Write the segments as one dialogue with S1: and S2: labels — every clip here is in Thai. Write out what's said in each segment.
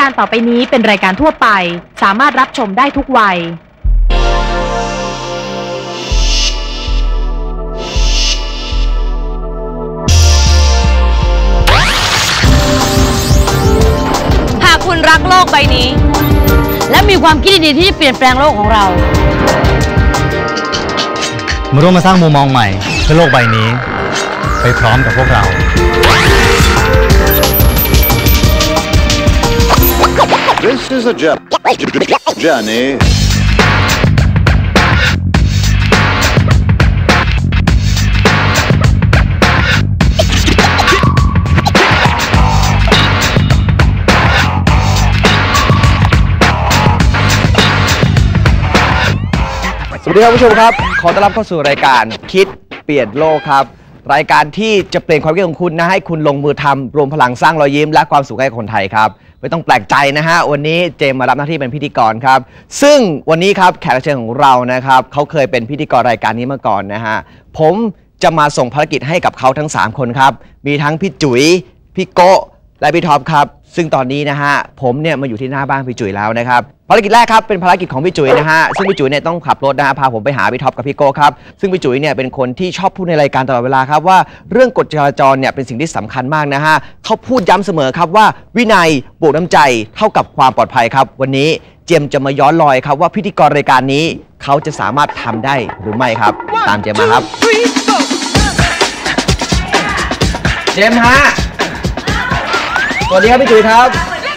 S1: การต่อไปนี้เป็นรายการทั่วไปสามารถรับชมได้ทุกวัย
S2: หากคุณรักโลกใบนี้และมีความคิดดีๆที่จะเปลี่ยนแปลงโลกของเรา
S3: มาร่วมมาสร้างมุมมองใหม่เพื่อโลกใบนี้ไปพร้อมกับพวกเรา
S4: This is a journey.
S5: สวัสดีครับผู้ชมครับขอต้อนรับเข้าสู่รายการคิดเปลี่ยนโลกครับรายการที่จะเปลี่ยนความคิดของคุณนะให้คุณลงมือทำรวมพลังสร้างรอยยิ้มและความสุขให้คนไทยครับไม่ต้องแปลกใจนะฮะวันนี้เจมมารับหน้าที่เป็นพิธีกรครับซึ่งวันนี้ครับแขกรับเชิญของเรานะครับเขาเคยเป็นพิธีกรรายการนี้มาก่อนนะฮะผมจะมาส่งภารกิจให้กับเขาทั้ง3คนครับมีทั้งพี่จุ๋ยพี่โกะและพี่ท็อปครับซึ่งตอนนี้นะฮะผมเนี่ยมาอยู่ที่หน้าบ้านพี่จุ๋ยแล้วนะครับภารกิจแรกครับเป็นภารกิจของพี่จุ๋ยนะฮะซึ่งพี่จุ๋ยเนี่ยต้องขับรถนะฮะพาผมไปหาพี่ท็อปกับพี่โก้ครับซึ่งพี่จุ๋ยเนี่ยเป็นคนที่ชอบพูดในรายการตลอดเวลาครับว่าเรื่องกฎจราจรเนี่ยเป็นสิ่งที่สำคัญมากนะฮะเขาพูดย้ำเสมอครับว่าวินัยบวกน้ำใจเท่ากับความปลอดภัยครับวันนี้เจมจะมาย้อนรอยครับว่าพิธีกรรายการนี้เขาจะสามารถทำได้หรือไม่ครับตามเจมมาครับเจมฮะสวัสดีครับพี่จุ๋ยครับ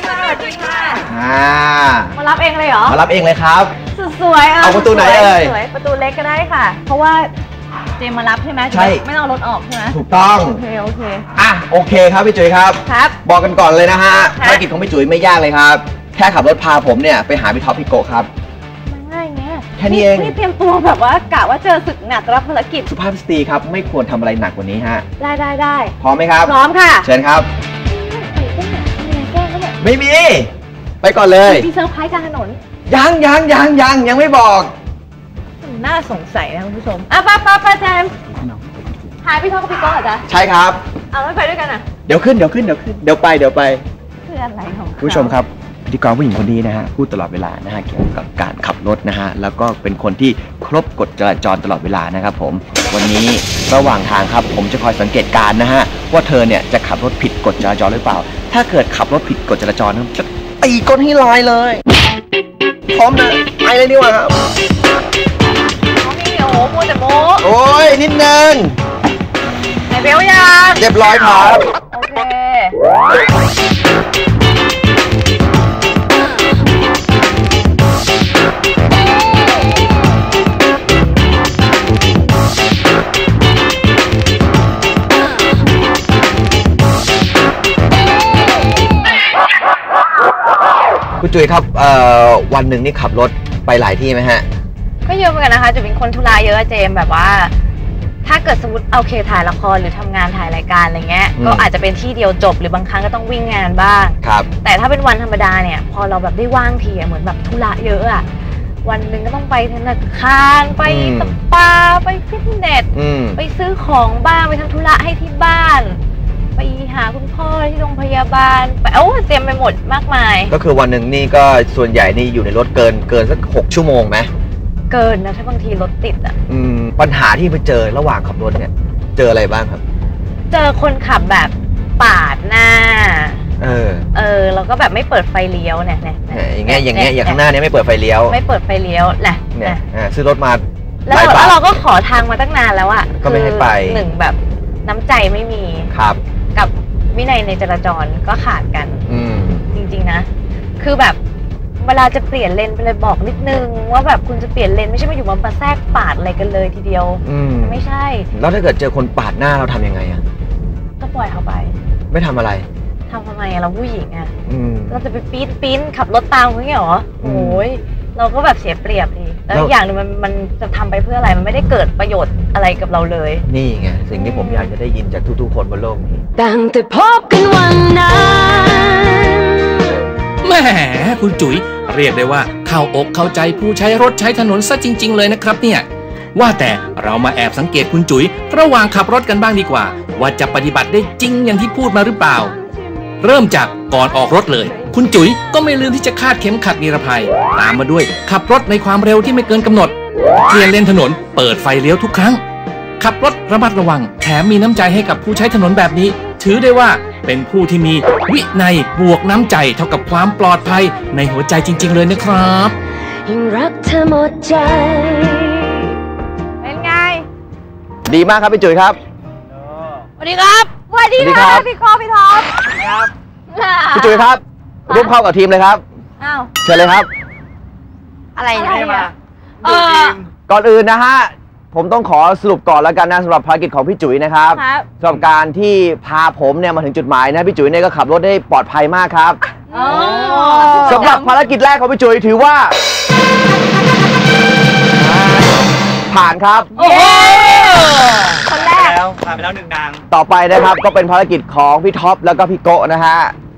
S1: มารับเองเลยเหรอ
S5: มารับเองเลยครับ
S1: สวยๆ
S5: เอาประตูไหนเอ่ย
S1: ประตูเล็กก็ได้ค่ะเพราะว่าเจมมารับใช่ไหม
S5: ใช่
S1: ไม่ต้องรถออกใช่ไหม
S5: ถูกต้อง
S1: โอเค
S5: โอเคครับพี่จุ๋ยครับบอกกันก่อนเลยนะฮะภารกิจของพี่จุ๋ยไม่ยากเลยครับแค่ขับรถพาผมเนี่ยไปหาพี่ท็อปพี่โกะครับ
S1: ง่ายเงี้ย
S5: แค่นี้เอง
S1: นี่เตรียมตัวแบบว่ากะว่าเจอศึกหนักรับภารกิจ
S5: สุภาพสตรีครับไม่ควรทำอะไรหนักกว่านี้ฮะ
S1: ได้
S5: พร้อมไหมครับ
S1: พร้อมค่ะ
S5: เชิญครับไม่มีไปก่อนเลย
S1: มีเซอร์ไพรส์กลางถนน
S5: ยังไม่บอก
S1: น่าสงสัยนะคุณผู้ชมไปแจมหายพี่ท็อปกับพี่โก้เหรอจ๊ะ
S5: ใช่ครับ
S1: เอาไม่ไปด้วยกันอ่ะ
S5: เดี๋ยวขึ้นเดี๋ยวไป
S1: คืออะไรของ
S5: ผู้ชมครับพิธีกรผู้หญิงคนนี้นะฮะพูดตลอดเวลานะฮะเกี่ยวกับการขับรถนะฮะแล้วก็เป็นคนที่ครบกฎจราจรตลอดเวลานะครับผมวันนี้ระหว่างทางครับผมจะคอยสังเกตการนะฮะว่าเธอเนี่ยจะขับรถผิดกฎจราจรหรือเปล่าถ้าเกิดขับรถผิดกฎจราจรจะตีก้นให้ลายเลยพร้อมนะไปเลยดีกว่าครับ
S1: โอ้โหแต่โม
S5: โอ้ยนิดนึง
S1: ไหนเบลยัง
S5: เรียบร้อยครับ
S1: โอเค
S5: คุณจุ๋ยครับวันหนึ่งนี่ขับรถไปหลายที่ไหมฮะ
S1: ก็เยอะเหมือนกันนะคะจะเป็นคนธุระเยอะเจมแบบว่าถ้าเกิดสมมติโอเคถ่ายละครหรือทำงานถ่ายรายการอะไรเงี้ยก็อาจจะเป็นที่เดียวจบหรือบางครั้งก็ต้องวิ่งงานบ้าง
S5: ครับ
S1: แต่ถ้าเป็นวันธรรมดาเนี่ยพอเราแบบได้ว่างทีเหมือนแบบธุระเยอะอะวันหนึ่งก็ต้องไปธนาคารไปสปาไปฟิตเนสไปซื้อของบ้างไปทำธุระให้ที่บ้านไปหาคุณพ่อที่โรงพยาบาลไปเต็มไปหมดมากมาย
S5: ก็คือวันหนึ่งนี่ก็ส่วนใหญ่นี่อยู่ในรถเกินสัก6 ชั่วโมงไหม
S1: เกินนะถ้าบางทีรถติดอ่ะ
S5: ปัญหาที่ไปเจอระหว่างขับรถเนี่ยเจออะไรบ้างครับ
S1: เจอคนขับแบบปาดหน้าแล้วก็แบบไม่เปิดไฟเลี้ยวเนี่ย
S5: อย่างเงี้ยอย่างข้างหน้านี้ไม่เปิดไฟเลี้ยว
S1: แหละ
S5: เนี่ยซื้อรถมา
S1: แล้วเราก็ขอทางมาตั้งนานแล้วอ่ะ
S5: ก็ไม่ให้ไป
S1: หนึ่งแบบน้ำใจไม่มี
S5: ครับ
S1: กับวินัยในจราจรก็ขาดกันจริงๆนะคือแบบเวลาจะเปลี่ยนเลนไปเลยบอกนิดนึงว่าแบบคุณจะเปลี่ยนเลนไม่ใช่มาอยู่มาแทรกปาดอะไรกันเลยทีเดียวไม่ใช่
S5: แล้วถ้าเกิดเจอคนปาดหน้าเราทำยังไงอะ
S1: ก็ปล่อยเขาไป
S5: ไม่ทำอะไร
S1: ทำไมเราผู้หญิงอะเราจะไปปีนขับรถตามเขาเหรอโอ้ยเราก็แบบเสียเปรียบดิแล้วอย่างนึงมันจะทำไปเพื่ออะไรมันไม่ได้เกิดประโยชน์อะไรกับเราเลย
S5: นี่ไงสิ่งที่ผมอยากจะได้ยินจากทุกๆคนบนโลกนี้
S2: ตั้งแต่พบกันวันนั้นแหมคุณจุ๋ยเรียกได้ว่าเข้าอกเข้าใจผู้ใช้รถใช้ถนนซะจริงๆเลยนะครับเนี่ยว่าแต่เรามาแอบสังเกตคุณจุ๋ยระหว่างขับรถกันบ้างดีกว่าว่าจะปฏิบัติได้จริงอย่างที่พูดมาหรือเปล่าเริ่มจากก่อนออกรถเลยคุณจุ๋ยก็ไม่ลืมที่จะคาดเข็มขัดนิรภัยตามมาด้วยขับรถในความเร็วที่ไม่เกินกำหนดเปลี่ยนเลนถนนเปิดไฟเลี้ยวทุกครั้งขับรถระมัดระวังแถมมีน้ำใจให้กับผู้ใช้ถนนแบบนี้ถือได้ว่าเป็นผู้ที่มีวินัยบวกน้ำใจเท่ากับความปลอดภัยในหัวใจจริงๆเลยนะครับ
S6: ยิ่งรักเธอหมดใจ
S1: เป็นไง
S5: ดีมากครับพี่จุ๋ยครับ
S1: สวัสดีครับสวัสดีครับพี่คอพี่ท็อป
S5: ครับพี่จุ๋ยครับร่วมเข้ากับทีมเลยครับ
S1: อ้าว
S5: เชิญเลยครับ
S1: อะไรเนี่ย
S5: ก่อนอื่นนะฮะผมต้องขอสรุปก่อนแล้วกันนะสำหรับภารกิจของพี่จุ๋ยนะครับสำหรับการที่พาผมเนี่ยมาถึงจุดหมายนะพี่จุ๋ยเนี่ยก็ขับรถได้ปลอดภัยมากครับสำหรับภารกิจแรกของพี่จุ๋ยถือว่าผ่านครับ
S1: คนแรก
S7: ผ่านไปแล้ว1 นาง
S5: ต่อไปนะครับก็เป็นภารกิจของพี่ท็อปแล้วก็พี่โกะนะฮะ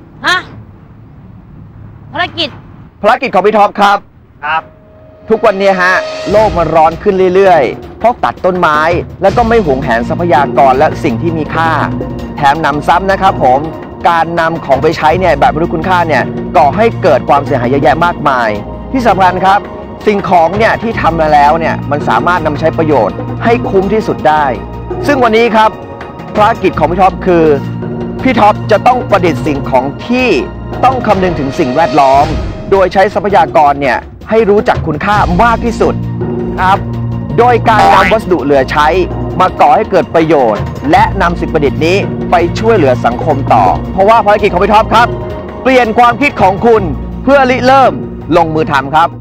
S1: ภารกิจ
S5: ของพี่ท็อปครับทุกวันนี้ฮะโลกมันร้อนขึ้นเรื่อยๆเพราะตัดต้นไม้แล้วก็ไม่หวงแหนทรัพยากรและสิ่งที่มีค่าแถมนำซ้ำนะครับผมการนำของไปใช้เนี่ยแบบไม่รู้คุณค่าเนี่ยก่อให้เกิดความเสียหายเยอะแยะมากมายที่สำคัญครับสิ่งของเนี่ยที่ทำมาแล้วเนี่ยมันสามารถนำใช้ประโยชน์ให้คุ้มที่สุดได้ซึ่งวันนี้ครับภารกิจของพี่ท็อปคือพี่ท็อปจะต้องประดิษฐ์สิ่งของที่ต้องคำนึงถึงสิ่งแวดล้อมโดยใช้ทรัพยากรเนี่ยให้รู้จักคุณค่ามากที่สุดครับโดยการนำวัสดุเหลือใช้มาก่อให้เกิดประโยชน์และนำสิ่งประดิษฐ์นี้ไปช่วยเหลือสังคมต่อเพราะว่าภารกิจของพี่ท็อปครับเปลี่ยนความคิดของคุณเพื่อริเริ่มลงมือทำครับ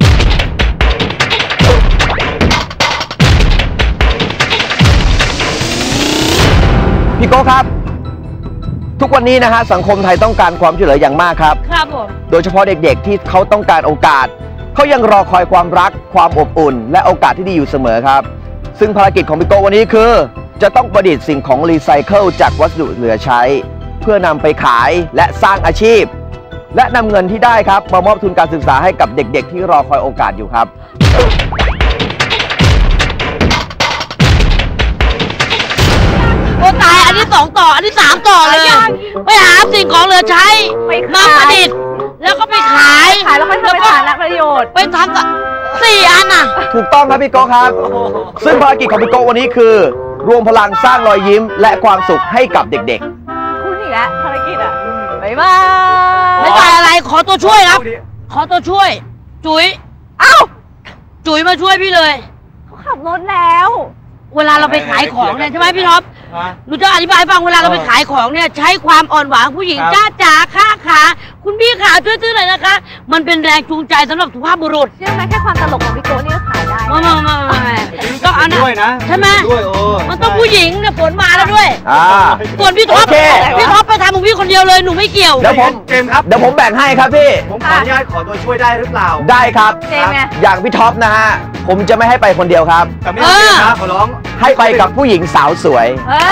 S5: พี่โก้ครับทุกวันนี้นะฮะสังคมไทยต้องการความช่วยเหลืออย่างมากครับ
S1: ครับผม
S5: โดยเฉพาะเด็กๆที่เขาต้องการโอกาสเขายังรอคอยความรักความอบอุ่นและโอกาสที่ดีอยู่เสมอครับซึ่งภารกิจของพี่โก้วันนี้คือจะต้องประดิษฐ์สิ่งของรีไซเคิลจากวัสดุเหลือใช้เพื่อนำไปขายและสร้างอาชีพและนำเงินที่ได้ครับมามอบทุนการศึกษาให้กับเด็กๆที่รอคอยโอกาสอยู่ครับ
S8: โอ้ตายอันนี้2 ต่ออันนี้3 ต่อเลยไปหาสิ่งของเหลือใช้มาประดิษฐ์แล้วก็ไปขาย
S1: แล้วก็ทำเป็นสาระประโยชน์
S8: ไปทำกับ4 อันน่ะ
S5: ถูกต้องครับพี่โก้ครับซึ่งภารกิจของพี่โก้วันนี้คือรวมพลังสร้างรอยยิ้มและความสุขให้กับเด็ก
S1: ๆคุณอีกแล้วภารกิจอ่ะบ๊ายบาย
S8: ไม่ได้อะไรขอตัวช่วยครับขอตัวช่วยจุ๋ยจุ๋ยมาช่วยพี่เลย
S1: เขาขับรถแล้ว
S8: เวลาเราไปขายของเนี่ยใช่ไหมพี่ท็อปหนูจะอธิบายฟังเวลาเราไปขายของเนี่ยใช้ความอ่อนหวานผู้หญิงจ้าจ๋าค้าขาคุณพี่ขาช่วยซื้อหน่อยนะคะมันเป็นแรงจูงใจสำหรับสุภาพบุรุษ
S1: เชื่อไหมแค่ความตลกของพี่โก้นี่ก็ขายได้
S8: ไม่ต้องเอานะใช่ไหมมันต้องผู้หญิงเนี่ยฝนมาแล้วด้วยส่วนพี่ท็อปไปทำของพี่คนเดียวเลยหนูไม่เกี่ยว
S5: เดี๋ยวผมแบ่งให้ครับพี่
S7: ผมขออนุญาตขอตัวช่วยได้หรือเปล่า
S5: ได้ครับอย่างพี่ท็อปนะฮะผมจะไม่ให้ไปคนเดียวครับ
S7: แต่ไม่ได้นะขอร้อง
S5: ให้ไปกับผู้หญิงสาวสวย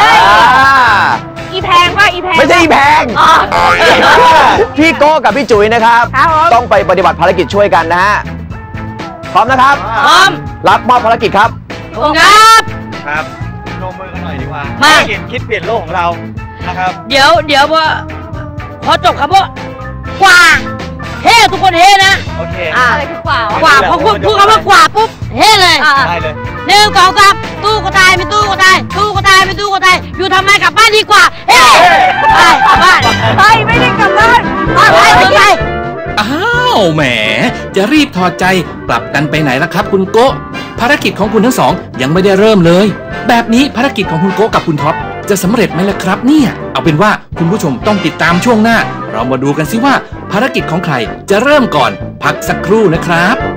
S1: อีแพงป่ะอีแพง
S5: ไม่ใช่อีแพงพี่โก้กับพี่จุ๋ยนะครับต้องไปปฏิบัติภารกิจช่วยกันนะฮะพร้อมนะครับ
S8: พร้อม
S5: รับมอบภารกิจครับ
S7: ครับลงมือกันหน่อยดีกว่าภารกิจคิดเปลี่ยนโลกของเรานะครับ
S8: เดี๋ยวพอจบครับว่ากว่าเฮ้ทุกคนเฮ้นะ
S7: โอเค
S1: อะไรคือก
S8: ว่าพอพูดคำว่ากว่าปุ๊บเฮ้เลย
S7: ได้เลย
S8: 1 2 3ตู้ก็ตายไม่ตู้ก็ตายตู้ก็ตายไม่ตู้ก็ตายอยู่ทำไมกลับบ้านดีกว่าเฮ้ไปกลับบ้าน
S1: ไม่ได้กลับบ้าน
S8: ไป
S2: อ้าวแหมจะรีบถอดใจกลับกันไปไหนล่ะครับคุณโกะภารกิจของคุณทั้งสองยังไม่ได้เริ่มเลยแบบนี้ภารกิจของคุณโกะกับคุณท็อปจะสำเร็จไหมล่ะครับเนี่ยเอาเป็นว่าคุณผู้ชมต้องติดตามช่วงหน้าเรามาดูกันสิว่าภารกิจของใครจะเริ่มก่อนพักสักครู่นะครับ